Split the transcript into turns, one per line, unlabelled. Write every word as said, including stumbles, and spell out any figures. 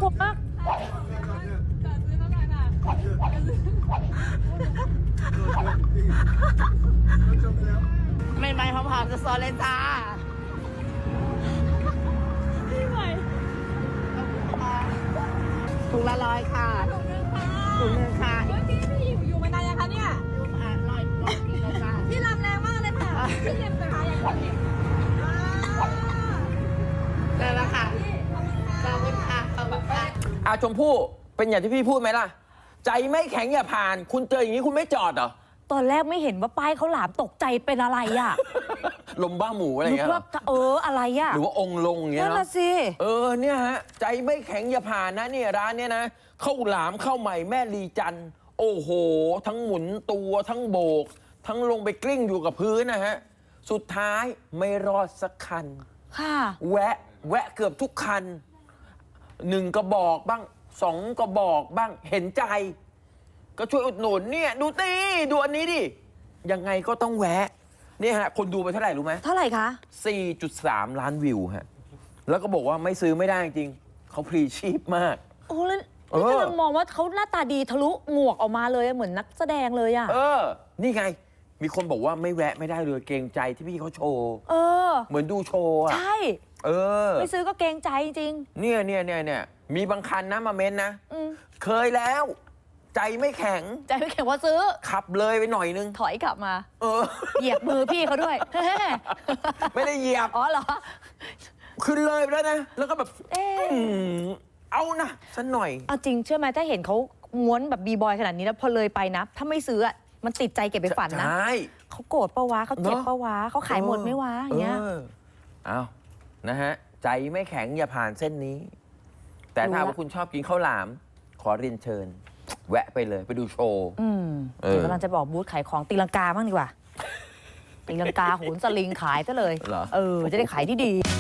กลัวมากไม่ไม่พร้อมๆจะซอนเลยจ้าพี่ใหม่ถุงละร้อยค่ะถุงหนึ่งค่ะพี่พี่อยู่มานานยังคะเนี่ยอ่ะร้อยร้อยกิโลค่ะพี่รำแรงมากเลยค่ะพี่เจ็บนะคะอย่างนี้ได้แล้วค่ะขอบคุณค่ะขอบคุณค่ะ
อาชมพู่เป็นอย่างที่พี่พูดไหมล่ะใจไม่แข็งอย่าผ่านคุณเจออย่างนี้คุณไม่จอดเหรอ
ตอนแรกไม่เห็นว่าป้ายเขาหลามตกใจเป็นอะไรอ่ะ
ลมบ้าหมูอะไรเงี้ย
ว่าเอออะไรอ่ะ
หรือว่าองค์ลงอย่างเงี้ย
นั่น
เนาะ
ละสิ
เออเนี่ยฮะใจไม่แข็งอย่าผ่านนะเนี่ยร้านเนี้ยนะข้าวหลามข้าวใหม่แม่ลีจันโอ้โหทั้งหมุนตัวทั้งโบก ทั้งลงไปกลิ้งอยู่กับพื้นนะฮะสุดท้ายไม่รอดสักคัน
ค่ะ
แวะแวะเกือบทุกคันหนึ่งกระบอกบ้างสองกระบอกบ้างเห็นใจก็ช่วยอุดหนุนเนี่ยดูตีดูอันนี้ดิยังไงก็ต้องแวะเนี่ยฮะคนดูไปเท่าไหร่รู้ไหม
เท่าไหร่คะ
สี่จุดสาม ล้านวิวฮะแล้วก็บอกว่าไม่ซื้อไม่ได้จริงเขาพรีชีพมาก
โอ้แล้วนี่กำลังมองว่าเขาหน้าตาดีทะลุหมวกออกมาเลยเหมือนนักแสดงเลยอ่ะ
เออนี่ไงมีคนบอกว่าไม่แวะไม่ได้เลยเกรงใจที่พี่เขาโชว์
เออ
เหมือนดูโชว์อ่ะ
ใช่
เออ
ไม่ซื้อก็เกรงใจจริง
เนี่ยเนี่ยเนี่ยเนี่ยมีบางคันนะมาเม้นนะเคยแล้วใจไม่แข็ง
ใจไม่แข็งว่าซื้อ
ขับเลยไปหน่อยนึง
ถอยกลับมา
เออ
เหยียบมือพี่เขาด้วย
ไม่ได้เหยียบ
อ๋อเหรอ
ขึ้นเลยไปแล้วนะแล้วก็แบบเออเอานะสักหน่อย
เอาจริงเชื่อไหมถ้าเห็นเขาม้วนแบบบีบอยขนาดนี้แล้วพอเลยไปนะถ้าไม่ซื้ออะมันติดใจเก็บไปฝันนะเขาโกรธปะวะเขาเจ็บปะวะเขาขายหมดไม่วะอย่างเงี้ย
เอานะฮะใจไม่แข็งอย่าผ่านเส้นนี้แต่ถ้าว่าคุณชอบกินข้าวหลามขอเรียนเชิญแวะไปเลยไปดูโชว์
อืมเดี๋ยวกำลังจะบอกบูธขายของตีลังกาบ้างดีกว่าตีลังกาโหนสลิงขายซะเลยเออจะได้ขายที่ดี